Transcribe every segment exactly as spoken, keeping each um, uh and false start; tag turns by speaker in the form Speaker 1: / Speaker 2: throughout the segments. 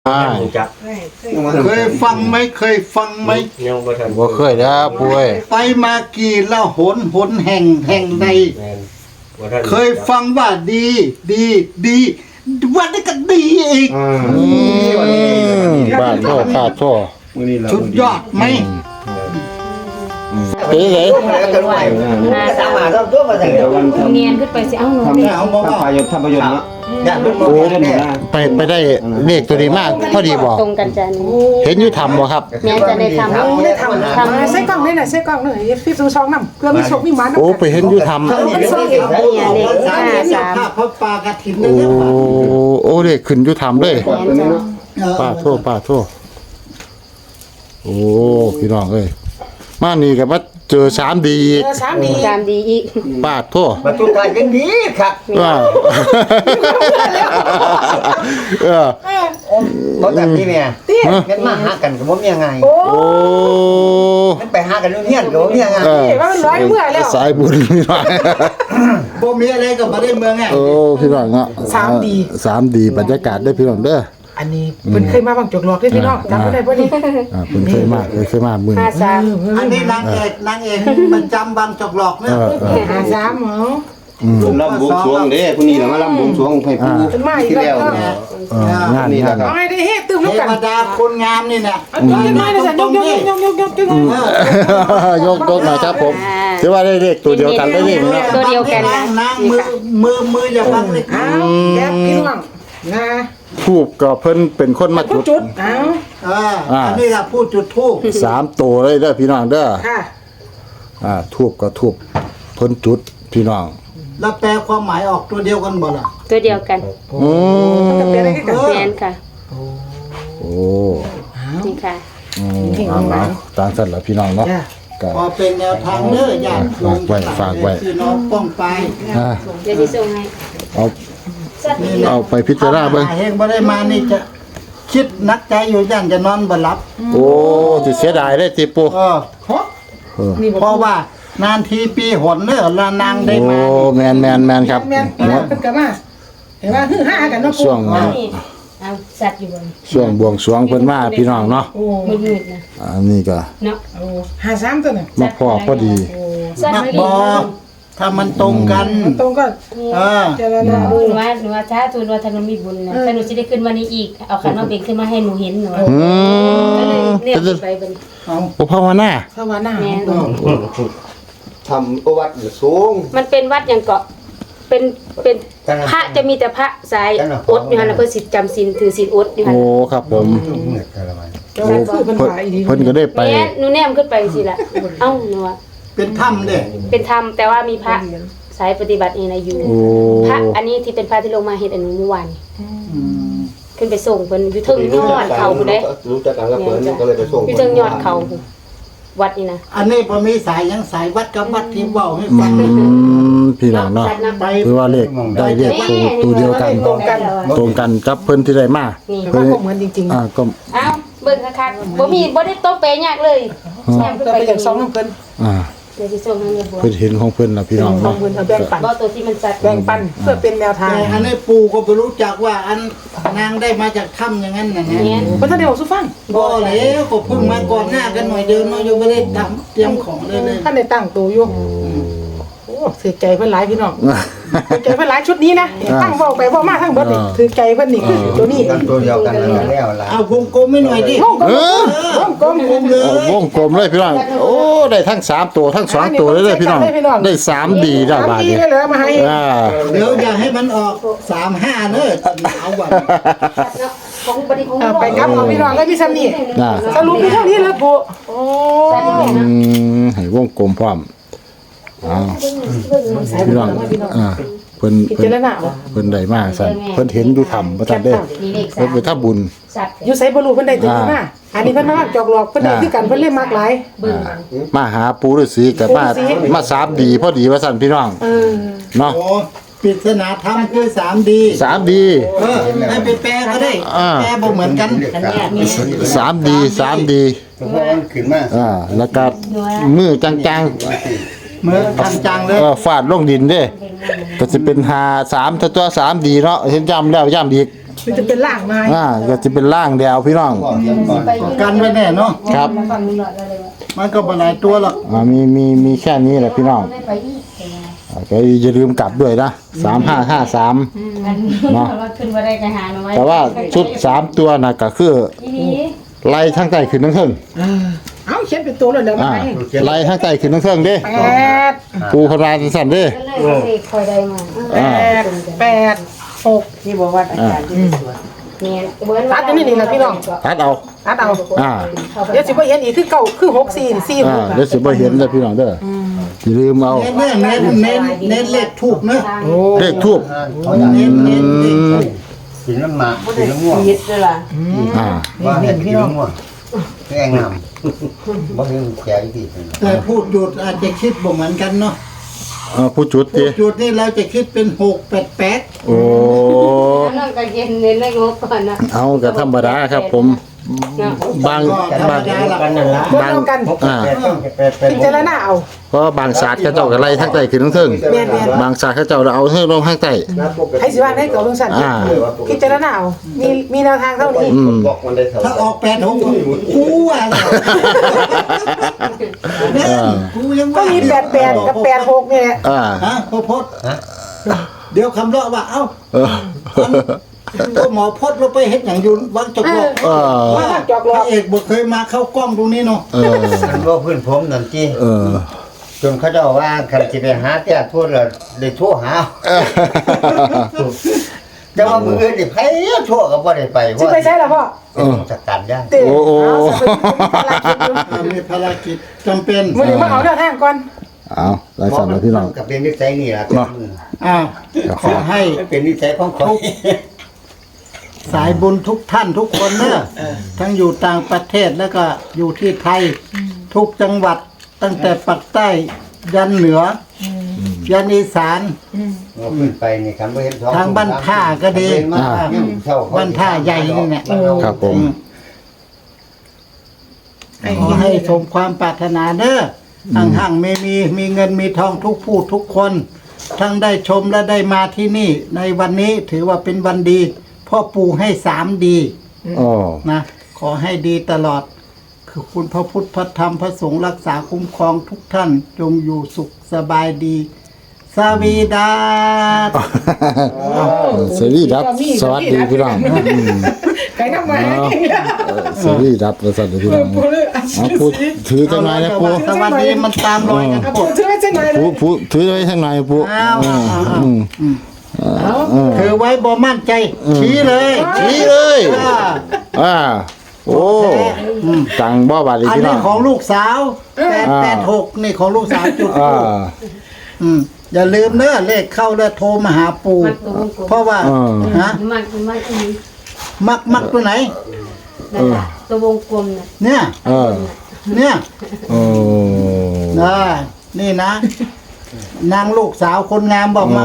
Speaker 1: จัก
Speaker 2: เคยฟังไหมเคยฟังไหม
Speaker 1: ยังบ่ทัน
Speaker 3: บ่เคยนะป่วย
Speaker 2: ไปมากี่ละหนหนแห่งแห่งใดเคยฟังว่าดีดีดีวันนี้ก็ดีอีก
Speaker 3: บ้านโทษข้าโทษ
Speaker 2: สุดยอดไหม
Speaker 3: เป็นไง
Speaker 4: สามารถต้องตัวมาจากเดียวกันเนียนขึ้นไปสิเอ้าหนูเนี่ย
Speaker 2: เอาบอกว่า
Speaker 5: ประโยชน์ทำประโยชน์เนาะ
Speaker 3: โอ้ไปไปได้เลขตัวดีมากพอดีบอก
Speaker 4: ตรงกันจ้ะนี่
Speaker 3: เห็นอยู่ทำบ่ครับ
Speaker 4: แม่จะได้ทำ
Speaker 6: ได้ทำทำใส่กล้องได้หน่อยใส่กล้องหน่อยพี่ซูช่องน้ำเพื่อมีโชคมีมัน
Speaker 3: โอ้ไปเห็นอยู่ทำ
Speaker 4: เนี่ยเลขห้าสาม
Speaker 2: พระปากระถิน
Speaker 3: โอ้โอ้เลขขึ้นอยู่ทำเลยป้าโทษป้าโทษโอ้พี่น้องเอ้ยมานี่กับว่าเจอสามดีอีก
Speaker 6: สามดี
Speaker 4: สามดีอีก
Speaker 3: ป้าโทษ
Speaker 2: มาตุกายกันดีครับ
Speaker 3: ว้าวเออ
Speaker 2: รถแบบนี้เนี่ยงั้นมาหากันกับผมยังไง
Speaker 3: โอ้
Speaker 2: งั้นไปหากันนู่นเนี่ยกับผมยังไง
Speaker 6: ว่ามันร้อยเมื่อแล้ว
Speaker 3: สายบุญพี่น้อง
Speaker 2: บ่มีอะไรกับมาได้เมืองไง
Speaker 3: โอ้พี่น้องเนาะ
Speaker 6: สามดี
Speaker 3: สามดีบรรยากาศได้พี่น้องเด้อ
Speaker 6: อันนี้เพิ่นเคยมาบางจกหลอกได้พี่น้องจำไม่ได้ป่ะนี่
Speaker 3: อ่าเพิ่นเคยมาเคยมามึง
Speaker 4: ห้าสาม
Speaker 2: อันนี้นางเอกนางเอกมันจำบางจกหลอกเนี่ย
Speaker 6: ห้าสามเหรอ
Speaker 5: ลำบวงสรวงเด้ผู้นี้แหละมาลำบวงสรวงให้ผู้ที่แล้ว
Speaker 3: งาน
Speaker 5: นี้แหละครับ
Speaker 6: เอาให้ได้เฮ็ดตึมลูกกัน
Speaker 2: เทวดาคนงามนี่น่ะ
Speaker 6: ยกยังไงนะจ๊ะยกยกยกยกยกยก
Speaker 3: ยกยกหน่อยครับผมถือว่าได้เลขตัวเดียวกันได้เลขเนาะ
Speaker 4: ตัวเดียวกันนะ
Speaker 2: นางมือมือมืออย่าบังเลย
Speaker 6: อ้าวแก๊บพี่น้องนะ
Speaker 3: ทูบก็เพิ่นเป็นคนมาจุด
Speaker 6: จุดอ้าว
Speaker 2: อ่าอันนี้ล่ะพูดจุดทูบ
Speaker 3: สามตัวเลยเด้อพี่น้องเด้อ
Speaker 6: ค่ะ
Speaker 3: อ่าทูบก็ทูบเพิ่นจุดพี่น้อง
Speaker 2: แล้วแปลความหมายออกตัวเดียวกันบ่ล่ะ
Speaker 4: ตัวเดียวกัน
Speaker 3: อืม
Speaker 6: จะเป็นอะไรกัน
Speaker 4: แม่นค่ะ
Speaker 3: โอ้
Speaker 4: นี่ค่ะ
Speaker 3: อืมเอาตามสั่นล่ะพี่น้องเนาะ
Speaker 2: ก็พอเป็นแนวทางเด้อญาติโยม
Speaker 3: ฝากไว้ฝากไว้
Speaker 2: พี่น้องป้องไป
Speaker 3: อ่า
Speaker 4: เดี๋ยวสิส่งให้
Speaker 3: เอาเอาไปพิจารณาเบิ่ง
Speaker 2: เฮงบ่ได้มานี่จะคิดนักใจอยู่ย่านจะนอนบ่หลับ
Speaker 3: โอ้สิเสียดายเด้ติปู่
Speaker 2: เออเออเพราะว่านานทีปีหนเด้อละนางได้มา
Speaker 3: โอ้แม่นๆๆครับ
Speaker 6: แม่นเพิ่นก็มาเห็นว่าฮือฮากันเนาะ
Speaker 3: ช่วง
Speaker 4: เอาสัตว์อยู่บน
Speaker 3: ช่วงบวงสรวงเพิ่นมาพี่น้องเนาะ
Speaker 6: โอ้
Speaker 4: มืดๆนะ
Speaker 3: อันนี้ก็
Speaker 4: เนาะ
Speaker 6: โอ้ห้าสามตัวน่ะ
Speaker 3: มาพอพอดี
Speaker 2: มักบ่ถ้ามันตรงกัน
Speaker 6: ตรงก็
Speaker 2: เออ
Speaker 4: หนูว่าหนูว่าถ้าตัวว่าถ้าหนูมีบุญนะถ้าหนูสิได้ขึ้นมานี้อีกเอาขันมาเบ่งขึ้นมาให้หนูเห็นหนู
Speaker 3: อืม
Speaker 4: ก็เลยเรียกไปบัดนี้
Speaker 3: เอาภาวนา
Speaker 6: ภาวนา
Speaker 5: ทำประวัติสูง
Speaker 4: มันเป็นวัดอย่างเกาะเป็นเป็นพระจะมีแต่พระสายอดอยู่หั่นน่ะเพิ่นสิจำศีลถือศีลอดอยู่หั่น
Speaker 3: โอ้ครับผม
Speaker 6: โอ้เพิ่นว่าอีดี
Speaker 3: เพิ่นก็ได้ไป
Speaker 4: หนูแนมขึ้นไปสิล่ะเอ้าหนูว่า
Speaker 2: เป็นถ้ำเด้
Speaker 4: เป็นธรรมแต่ว่ามีพระสายปฏิบัตินี่นะอยู่พระอันนี้ที่เป็นพระที่ลงมาเฮ็ดอันนี้เมื่อวานขึ้นไปส่งเพิ่นอยู่เทิงยอดเขาพุ่นเด้
Speaker 5: รู้จักกันแล้วเพิ่นก็เลยไปส่ง
Speaker 4: อยู่เทิงยอดเขาวัดนี่นะ
Speaker 2: อันนี้บ่มีสายยังสายวัดกับวัดที่เว้าให้ฟัง
Speaker 3: พี่น้องเนาะคือว่าเลขได้เลขตัวเดียวกันตรงกันตรงกันกับเพิ่นที่ได้มา
Speaker 6: เพิ่นเหมือนจริงๆ
Speaker 3: อ่าก็
Speaker 4: อ้าวเบิ่งคักๆบ่มีบ่ได้โตเปยากเลย
Speaker 6: แม่ขึ้นไปอย่างสองเพิ่น
Speaker 3: อ่า
Speaker 4: เดี๋ยวสิส่งให้บัว
Speaker 3: เพิ่นเห็นของเพิ่นล่ะพี่น้องเนาะ
Speaker 6: เพิ่นเอาแบ่งปัน
Speaker 4: บ่ตัวที่มันสัตว์
Speaker 6: แบ่งปันเพื่อเป็นแนวทาง
Speaker 2: อันนี้ปู่ก็บ่รู้จักว่าอันนางได้มาจากถ้ำอย่างนั้นน่ะนะ
Speaker 6: เพิ่นท่านได้บอกสุฟัง
Speaker 2: บ่แล้วก็เพิ่งมาก่อนหน้ากันหน่อยเดียวเนาะยังบ่ได้ทำเตรียมของเลยเลย
Speaker 6: ท่านได้ตั้งตัวอยู่โอ้เสียใจเพิ่นหลายพี่น้องเสียใจเพิ่นหลายชุดนี้นะตั้งเว้าไปเว้ามาทั้งเบิดนี่ถือใจเพิ่นนี่คือตัวนี้
Speaker 5: ตัวเดียวกันแล้วล่ะ
Speaker 2: เอาวงกลมให้หน่อยดิ
Speaker 6: วงกลมวงกลมเลยว
Speaker 3: งกลมเลยพี่น้องโอ้ได้ทั้งสามตัวทั้งสองตัวเลยเด้อพี่น้องได้สามดีได้บาดนี้
Speaker 6: เลยมาให้
Speaker 3: อ่า
Speaker 2: เดี๋ยวอย่าให้มันออกสามห้าเด้อเอาบัด
Speaker 4: ของบัดนี้ของ
Speaker 6: ไปครับเอาพี่น้องแล้วมีซ้ำนี่สรุปมีเท่านี้แล้วปู่โอ้
Speaker 3: อืมให้วงกลมพร้อมอ้าวพี่น้องอ่าเพิ่นเพิ่นเพิ่นได้มาสั่นเพิ่นเห็นอยู่ถ้ำบ่ทันได้เพิ่นไปทำบุญ
Speaker 6: อยู่ไสบ่รู้เพิ่นได้ตัวนี้มาอันนี้เพิ่นมาจอกหลอกเพิ่นได้คือกันเพิ่นเล่นมากหลาย
Speaker 3: มาหาปู่ฤาษีก็มามาสามดีพอดีว่าสั่นพี่น้อง
Speaker 6: เออ
Speaker 3: เนาะ
Speaker 2: โอ้ปริศนาธรรมคือสามดี
Speaker 3: สามดี
Speaker 2: เออให้ไปแปลก็ได้แปลบ่เหมือนกัน
Speaker 3: สามดีสามดี
Speaker 5: ขึ้นมา
Speaker 3: อ่าแล้วก็มือจังๆ
Speaker 2: เมื่อจังๆเลย
Speaker 3: เออฟาดลงดินเด้ก็สิเป็นหาสามถ้าตัวสามดีเนาะเห็นย้ำแล้วย้ำอีก
Speaker 6: มันจะเป็นล่างไม้
Speaker 3: อ่าก็จะเป็นล่างเดียวพี่น้อง
Speaker 5: ก่อนเตรียมก่อน
Speaker 2: กันไว้แน่เนาะ
Speaker 3: ครับ
Speaker 4: ฟังนี่หน่อยเลยว่า
Speaker 2: มันก็บ่หลายตัวหรอก
Speaker 3: อ่ามีมีมีแค่นี้แหละพี่น้อง
Speaker 4: ได้ไปอีก
Speaker 3: อ่าก็อย่าลืมกลับด้วยนะสามห้าห้าสาม
Speaker 4: อันว่าขึ้นมาได้ก็หาหน่อย
Speaker 3: แต่ว่าชุดสามตัวน่ะก็คือ
Speaker 4: อีนี้
Speaker 3: ไล่ทั้งใต้ขึ้นทั้งเทิง
Speaker 6: เอ้าเขียนเป็นตัวเลยเดี๋ยวมา
Speaker 3: อ่า
Speaker 6: ให้
Speaker 3: ไล่ทั้งใต้ขึ้นทั้งเทิงเด้
Speaker 6: แปด
Speaker 3: ปูพราสั่นเด้
Speaker 4: ก็เลยสิคอยได้มา
Speaker 6: แปดแปดหก
Speaker 1: นี่บอกว่าอาจารย์ที่สวน
Speaker 4: เนี่ยเบิ้ล
Speaker 6: ตัดอันนี้นี่แหละพี่น้อง
Speaker 3: ตัดเอา
Speaker 6: ตัดเอา
Speaker 3: อ่า
Speaker 6: เดี๋ยวสิบ่เห็นอีกคือเก่าคือหกสี่สี่ห
Speaker 3: อ่าก เดี๋ยวสิบ่เห็นเด้อพี่น้องเด้อออย่าลืมเอา
Speaker 2: เน้นเน้นเน้นเน้นเลขทูบเนอะ
Speaker 3: เลขทูบ
Speaker 2: เน้นเน้นเลขทูบ
Speaker 5: กินน้ำหมากกินน้ำง่วง
Speaker 1: ชีวิตด้วยล่ะ
Speaker 3: อ่า
Speaker 5: ว่าให้กินน้ำง่วงแกงน้ำบ่เห็นแก่อีกที
Speaker 2: แต่พูดหยุดอาจจะคิดบ่เหมือนกันเนาะ
Speaker 3: เอ่อผู้จุด
Speaker 2: พู
Speaker 3: ติ
Speaker 2: ดหยุดนี่เราจะคิดเป็นหกแปดแปด
Speaker 3: โอ้
Speaker 4: นั่นก็เย็นเน้นเลขงบก่อนนะ
Speaker 3: เอาก็ธรรมดาครับผมบาง
Speaker 2: ก็ธรร
Speaker 3: บาม ง
Speaker 2: ดาละ
Speaker 5: กันนั่นละ
Speaker 6: บ่เท่ากัน
Speaker 3: อ่า
Speaker 6: พิจารณาเอา
Speaker 3: เพราะบางศาสตร์เขาเจ้าก็ไล่ทั้งใต้ขึ้นทั้งเทิง
Speaker 6: แม่น
Speaker 3: บางศาสตร์เขาเจ้าเอาเทิงลงข้างใต้
Speaker 6: ให้สิว่าให้เก่าลงสั่น
Speaker 3: อ่า
Speaker 6: พิจารณาเอามีมีแนวทางเท่านี้
Speaker 3: อืม
Speaker 5: บอกมันได้เท่า
Speaker 2: ถ้าออกแปดหกกูว่าแล้วเนี่ยกูยัง
Speaker 6: ก็
Speaker 2: ว่า
Speaker 6: มีแปดแปดกับแปดหกนี่แหละ
Speaker 3: อ่า
Speaker 2: ฮะพอพดเดี๋ยวคำเลาะว่าเอ้า
Speaker 3: เออ
Speaker 2: ตัวหมอพดเราไปเฮ็ดอย่างอยุนวังจกหลอก
Speaker 3: เออ
Speaker 6: ว่าจอกหล
Speaker 2: พ
Speaker 6: อก
Speaker 2: ระเอกบ่เคยมาเข้ากล้องตรงนี้เนาะ
Speaker 3: เออ
Speaker 5: มันว่าพื้นผมนั่นจี
Speaker 3: เออ
Speaker 5: จนเขาเจ้าว่าคันสิไปหาแต่ทั่วแล้วได้โทรหาแต่ว่ามืออื่นนี่ไผโทรก็บ่ได้ไป
Speaker 6: สิไปใช้ล่ะพ่อ
Speaker 5: เป็นจัดการย่าง
Speaker 6: เต้
Speaker 3: โอ้โอ้
Speaker 6: เอาสิไปมีภารกิจอยู่
Speaker 2: อ่ามีภารกิจจำเป็น
Speaker 6: มื้อนี้มาเอาแนวทางก่อน
Speaker 3: เอาไล่สั่นแล้วพี่น้อง
Speaker 5: ก็เป็นนิสัยนี่ล่ะเป็นมือ
Speaker 2: อ้าวขอให้
Speaker 5: มันเป็นนิสัยของเขา
Speaker 2: สายบุญทุกท่านทุกคนเนอะทั้งอยู่ต่างประเทศแล้วก็อยู่ที่ไทย ทุกจังหวัดตั้งแต่ปักใต้ยันเหนืออยันอีสาน
Speaker 5: เอาขึ้นไปนี่ครับบ่เห็นสอง
Speaker 2: ทางบ้านท่าก็ดี
Speaker 5: อ่าเช่เข
Speaker 2: บ้านท่าใหญ่นี่เนี่ย
Speaker 3: ครับผม
Speaker 2: ขอให้สมความปรารถนาเด้อห่างๆไม่มีมีเงินมีทองทุกผู้ทุกคน ทั้งได้ชมและได้มาที่นี่ ในวันนี้ถือว่าเป็นวันดีพ่อปู่ให้สามดี
Speaker 3: โอ้
Speaker 2: นะขอให้ดีตลอด คือคุณพระพุทธพระธรรมพระสงฆ์รักษาคุ้มครองทุกท่าน จงอยู่สุขสบายดี สวีดาส
Speaker 3: สวัสดีครับสวัสดีพี่น้องอืม
Speaker 6: ไก่น้ำมา
Speaker 3: เออสวัสดีครับสวัสดีพี่น้องเอาพูดถือจังไหนนะปู
Speaker 2: สวัสดีมันตามรอยกัน
Speaker 6: เอา
Speaker 2: หม
Speaker 6: ผม
Speaker 2: ด
Speaker 6: ถือไว้เส้นหน่อย
Speaker 3: ปูปูถือไว้ทางไหนปู
Speaker 2: อ้าวอ้าวอ้าว
Speaker 3: อืม
Speaker 2: ถือไว้บ่มั่นใจ ชี้เลย
Speaker 3: ชี้เลย
Speaker 2: อ่า
Speaker 3: อ่าโอ้จังบ่บาดเลย
Speaker 2: อัน
Speaker 3: พี่น้
Speaker 2: นี้
Speaker 3: อง
Speaker 2: ของลูกสาวแปด
Speaker 3: อ่า
Speaker 2: แปดหกนี่ของลูกสาวจุด
Speaker 3: อ่า
Speaker 2: อืมอย่าลืมเนอะเลขเข้าแล้วโทรมาหาปู่
Speaker 4: มันตัววงกลม
Speaker 2: เพราะว่า
Speaker 3: อ่า
Speaker 2: ฮะ
Speaker 4: มันมันอีนี้
Speaker 2: มักมักตัวไหน
Speaker 4: นั่นแหละตัววงกลมน่ะ
Speaker 2: เนี่ย
Speaker 3: เออ
Speaker 2: เนี่ย
Speaker 3: โอ้
Speaker 2: อ่านี่นะ นางลูกสาวคนงามบอกมา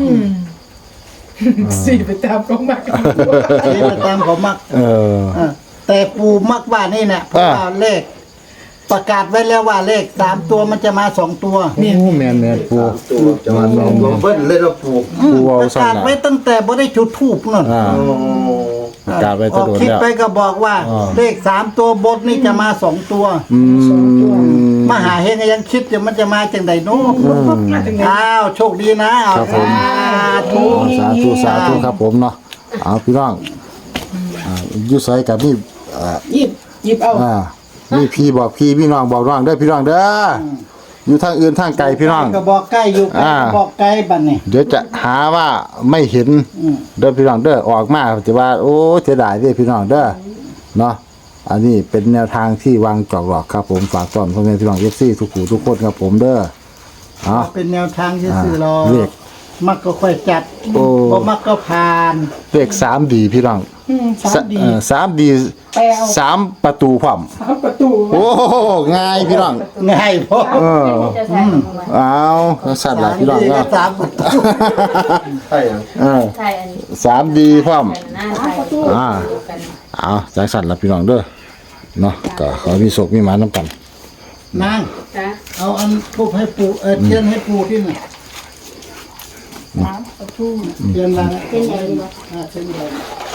Speaker 6: สี่ไปตามกองมา
Speaker 2: นี่ไปตามเขามัก
Speaker 3: เออ
Speaker 2: เออแต่ปู่มักว่านี่เนี่ยเพราะว่าเลข ประกาศไว้แล้วว่าเลขสามตัวมันจะมาสองตัว
Speaker 3: โอ้แม่นแม่นปู
Speaker 5: ตัวจะมาลองลองเบิ้ลเลยเราปลูก
Speaker 2: อืม
Speaker 3: ปู่เอา
Speaker 2: ประ
Speaker 3: สั่น
Speaker 2: กาศ
Speaker 3: น่ะ
Speaker 2: ไว้ตั้งแต่บ่ได้จุดทูบนั่น
Speaker 3: อ่าประกาศไว้
Speaker 2: อ
Speaker 3: ตะ
Speaker 2: อก
Speaker 3: โดน
Speaker 2: คลิป
Speaker 3: แล้ว
Speaker 2: ไปก็บอกว่า
Speaker 3: อ่า
Speaker 2: เลขสามตัวบนนี่จะมาสองตัว
Speaker 3: อืม
Speaker 2: มหาเฮงยังคิดอยู่มันจะมาจังไดโน้อ้าวโชคดีนะเอา
Speaker 3: ครับผม
Speaker 2: สาธุ
Speaker 3: สาธุสาธุครับผมเนาะเอาพี่น้องอ่าอยู่ไสกับนี่อ่า
Speaker 6: หยิบหยิบเอา
Speaker 3: อ่านี่พี่บอกพี่พี่น้องบอกน้องเด้อพี่น้องเด้อออยู่ทางอื่นทางไกลพี่น้อง
Speaker 2: ก็บอกใกล้อยู่ใกล้
Speaker 3: อ่า
Speaker 2: ก็บอกไกลบัดนี้
Speaker 3: เดี๋ยวจะหาว่าไม่เห็น
Speaker 2: อืม
Speaker 3: เด้อพี่น้องเด้อออกมาจะว่า โอ้เสียดายเด้อพี่น้องเด้อเนาะอันนี้เป็นแนวทางที่วางจอกหลอกครับผมฝากต้อนพ่อแม่พี่น้องเอฟซีทุกผู้ทุกคนครับผมเด้อเอา
Speaker 2: เป็นแนวทางที่สื่อรอ
Speaker 3: เลข
Speaker 2: มักก็ค่อยจัด
Speaker 3: โอ้
Speaker 2: บ่มักก็ผ่าน
Speaker 3: เลขสามดีพี่น้อง
Speaker 6: อืมสามดี
Speaker 3: เอ่อสามดี
Speaker 6: แปลเอา
Speaker 3: สามประตูพร้อม
Speaker 6: สามประตู
Speaker 3: โอ้ง่ายพี่น้อง
Speaker 2: ง่ายพอ
Speaker 3: เออ
Speaker 4: จะใส่ของมัน
Speaker 3: เอาสัตว์ละพี่น้อง
Speaker 2: ดีก็
Speaker 3: เนาะ
Speaker 2: สามประตู
Speaker 5: ใช่ยัง
Speaker 3: เออ
Speaker 4: ใช่อันนี้
Speaker 3: สามดีพร้อม
Speaker 4: ใส่หน้าใส่
Speaker 3: อ่า เอาใจสัตว์ละพี่น้องเด้อเนาะก็ขอมีโศกมีหมาน้ำกัน
Speaker 2: นาง
Speaker 4: นะ
Speaker 2: เอาอันทูบให้ปู่เออเทียนให้ปู่ที่ไหนเทียนละ
Speaker 4: เป็นใหญ่ดีป่ะ
Speaker 2: อ่าเทียนใหญ่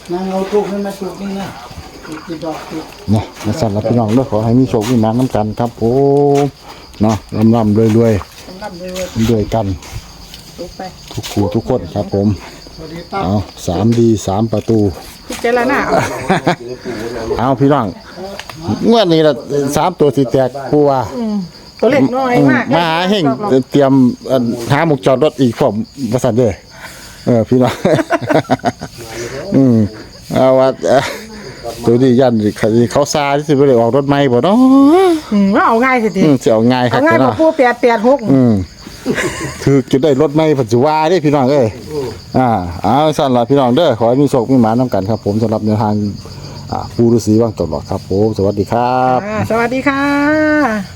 Speaker 2: นั่งเอาทุกให้มาจุกนี่นะจุกกี่ดอกจุก
Speaker 3: เนาะนะสั่นละพี่น้องเด้อขอให้มีโชคมีหมาน้ำกันครับผมเนาะร่ำๆรวย
Speaker 6: ร่ำรวย
Speaker 3: ๆด้วยกัน
Speaker 6: ๆลุกไป
Speaker 3: ทุกคู่ทุกคนครับผม
Speaker 2: สวัสดีตั้ม
Speaker 3: เอาสามดีสามประตู
Speaker 6: พิจารณาเอา
Speaker 3: เอาพี่น้องงวดนี้ละสามตัวสิแตกผู้ว่า
Speaker 6: ตัวเล็กน้อยมาก
Speaker 3: มาหาเฮงเตรียมอันหาหมุกจอดรถอีกพร้อมประสานเด้อเออพี่น้อง อืมเอาว่าเอ่อตัวนี้ยันเขาซาที่สิบ่ได้ออกรถใหม่บ่เนาะ
Speaker 6: อืมว่าเอาง่ายสิที
Speaker 3: อืมสิเอาง่ายครั
Speaker 6: เอา
Speaker 3: บ
Speaker 6: ง่ายกว่า
Speaker 3: เนาะ
Speaker 6: ผู้แปดแปดหก
Speaker 3: อืมคือจะได้รถใหม่ปัจจุบันเด้พี่น้องเอ้ยอ่าเอาสั่นล่ะพี่น้องเด้อขอให้มีโชคมีหมานํกันครับ ผมสำหรับแนวทางอ่าปู่ฤาษีว่างตลอดครับผมสวัสดีครับ
Speaker 6: อ่าสวัสดีค่ะ